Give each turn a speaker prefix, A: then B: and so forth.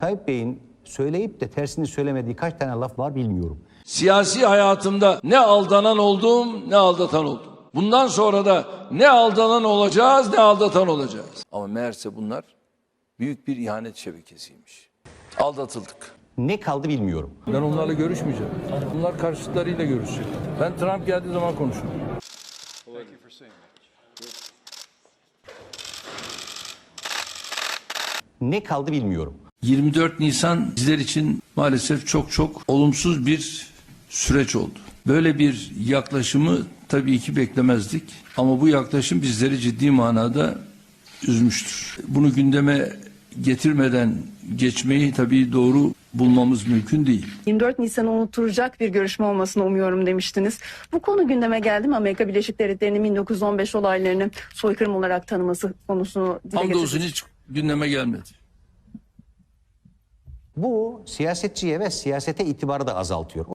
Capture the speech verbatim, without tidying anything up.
A: Tayyip Bey'in söyleyip de tersini söylemediği kaç tane laf var bilmiyorum.
B: Siyasi hayatımda ne aldanan oldum ne aldatan oldum. Bundan sonra da ne aldanan olacağız ne aldatan olacağız. Ama meğerse bunlar büyük bir ihanet şebekesiymiş. Aldatıldık.
A: Ne kaldı bilmiyorum.
B: Ben onlarla görüşmeyeceğim. Bunlar karşıtlarıyla görüşecek. Ben Trump geldiği zaman konuşurum.
A: Ne kaldı bilmiyorum.
B: yirmi dört Nisan bizler için maalesef çok çok olumsuz bir süreç oldu. Böyle bir yaklaşımı tabii ki beklemezdik. Ama bu yaklaşım bizleri ciddi manada üzmüştür. Bunu gündeme getirmeden geçmeyi tabii doğru bulmamız mümkün değil.
C: yirmi dört Nisan'ı unutturacak bir görüşme olmasını umuyorum demiştiniz. Bu konu gündeme geldi mi? Amerika Birleşik Devletleri'nin bin dokuz yüz on beş olaylarını soykırım olarak tanıması konusunu dile
B: Hamdolsun
C: getirdiniz.
B: hiç gündeme gelmedi.
A: Bu siyasetçiye ve siyasete itibarı da azaltıyor.